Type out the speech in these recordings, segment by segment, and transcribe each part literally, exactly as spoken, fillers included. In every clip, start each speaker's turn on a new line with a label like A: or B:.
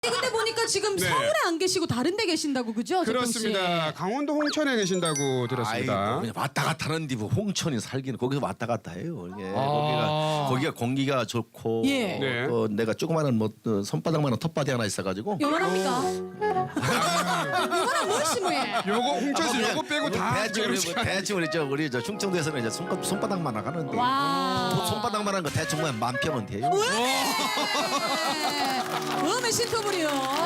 A: 근데 보니까 지금
B: 네.
A: 서울에 안 계시고 다른 데 계신다고 그죠?
B: 그렇습니다. 강원도 홍천에 계신다고 들었습니다.
C: 아이고, 그냥 왔다 갔다 하는데 뭐 홍천이 살기는 거기서 왔다 갔다 해요. 이게
B: 아.
C: 거기가 거기가 공기가 좋고
A: 예.
B: 네.
C: 또 내가 조그마한 뭐 어, 손바닥만한 텃밭이 하나 있어가지고
A: 요만합니까? 요만한 무엇이 뭐예?
B: 요거 홍천시 요거 빼고 다
C: 대충 우리 뭐 대충 우리 저 우리 저 충청도에서는 이제 손 손바닥만 하는데
A: 와.
C: 뭐 손바닥만한 거 대충 그냥 만 평은 돼요.
A: 음의 신토불이요.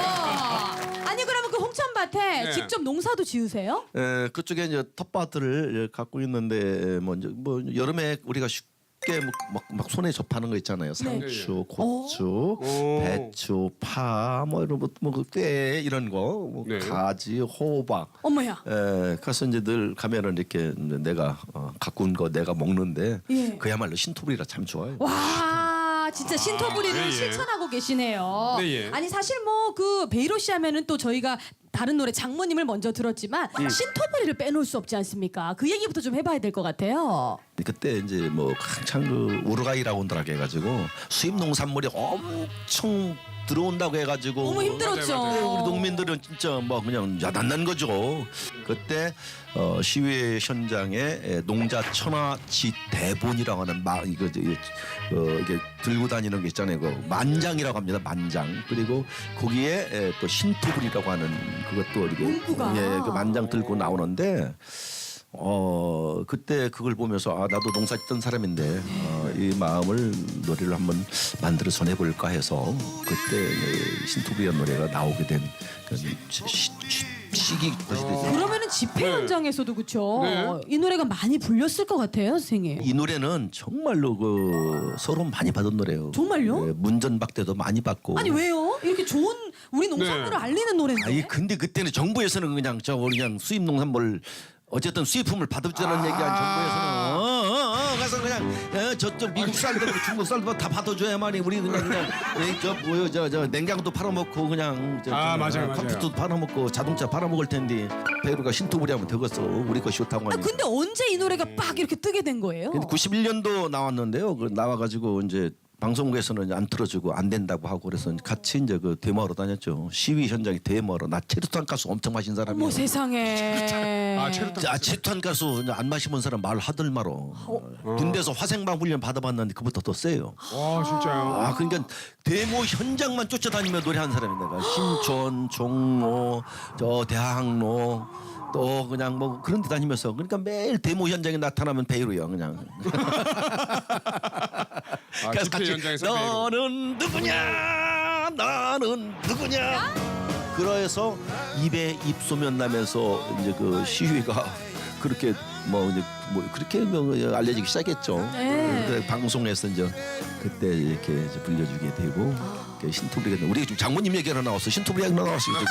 A: 아니 그러면 그 홍천밭에
B: 네.
A: 직접 농사도 지으세요?
C: 에, 그쪽에 이제 텃밭을 갖고 있는데 뭐, 이제 뭐 여름에 우리가 쉽게 막, 막, 막 손에 접하는 거 있잖아요. 상추, 고추,
B: 오.
C: 배추, 파, 뭐 이런 뭐꽤 이런 거, 뭐
B: 네.
C: 가지, 호박.
A: 어머야.
C: 에, 가서 이제 늘 가면은 이렇게 이제 내가 어, 갖고 온 거 내가 먹는데
A: 예.
C: 그야말로 신토불이라 참 좋아요.
A: 와 진짜 신토불이를
B: 네, 예.
A: 실천하고 계시네요.
B: 네, 예.
A: 아니 사실 뭐 그 베이로 씨 하면은 또 저희가 다른 노래 장모님을 먼저 들었지만
B: 음.
A: 신토불이를 빼놓을 수 없지 않습니까? 그 얘기부터 좀 해봐야 될 것 같아요.
C: 그때 이제 뭐 한창 그 우루과이라고 온더라고 해가지고 수입 농산물이 엄청 들어온다고 해가지고
A: 너무 힘들었죠.
B: 맞아요, 맞아요.
C: 우리 농민들은 진짜 뭐 그냥 야단난 거죠. 그때 어, 시위 현장에 에, 농자 천하지 대본이라고 하는 막 이거 저, 이거, 어, 이게 들고 다니는 게 있잖아요. 그 만장이라고 합니다. 만장. 그리고 거기에 에, 또 신토불이라고 하는 그것도 이렇게
A: 문구가.
C: 예, 그 만장 들고 나오는데. 어 그때 그걸 보면서 아 나도 농사 짓던 사람인데 어, 이 마음을 노래를 한번 만들어 전해볼까 해서 그때 이 신토불이라는 노래가 나오게 된 그 시기 것이 되죠.
A: 그러면은 집회
B: 네.
A: 현장에서도 그쵸?
B: 네.
A: 이 노래가 많이 불렸을 것 같아요, 선생님.
C: 이 노래는 정말로 그 서론 많이 받은 노래예요.
A: 정말요?
C: 예, 문전박대도 많이 받고.
A: 아니 왜요? 이렇게 좋은 우리 농산물을
B: 네.
A: 알리는 노래인데.
C: 아니 근데 그때는 정부에서는 그냥 저 그냥 수입 농산물 어쨌든 수입품을 받아주자는
B: 아.
C: 얘기한 정부에서는 어, 어, 어, 가서 그냥 어, 저쪽 미국 쌀도 중국 쌀도 다 받아줘야만이 우리 그냥 그냥 에, 저 뭐요 저 저 냉장고도 팔아먹고 그냥 저,
B: 아,
C: 저,
B: 맞아요,
C: 어,
B: 맞아요.
C: 컴퓨터도 팔아먹고 자동차 팔아먹을 텐데 배우가 신토불이 하면 되겠어 우리 거 싫다고
A: 아,
C: 하니까.
A: 근데 언제 이 노래가 빡 이렇게 뜨게 된 거예요?
C: 근데 구십일 년도 나왔는데요. 그 나와가지고 이제 방송국에서는 안 틀어주고 안 된다고 하고 그래서 같이 이제 그 데모하러 다녔죠. 시위 현장에 데모하러. 나 체류탄 가스 엄청 마신 사람이에요.
A: 어머 세상에.
B: 아, 체류탄
C: 아, 체류탄 가스 안 마시면 사람 말 하들 말어.
A: 어.
C: 군대에서 화생방 훈련 받아봤는데 그보다 더 세요.
B: 와 진짜요.
C: 아 그러니까 데모 현장만 쫓아다니며 노래한 사람이 내가 신촌, 종로, 저 대학로. 또 그냥 뭐 그런 데 다니면서 그러니까 매일 데모 현장에 나타나면 베이로요 그냥.
B: 아, 집회 현장에서 베이로.
C: 너는 누구냐 나는 누구냐 그래서 입에 입소면 나면서 이제 그 시위가 그렇게 뭐 이제 뭐 그렇게 뭐 알려지기 시작했죠.
A: 네.
C: 그래서 방송에서 이제 그때 이렇게 이제 불려주게 되고 그 신토불이가 우리 지금 장모님 얘기가 나왔어. 신토불이 얘기가 나왔어. 지금.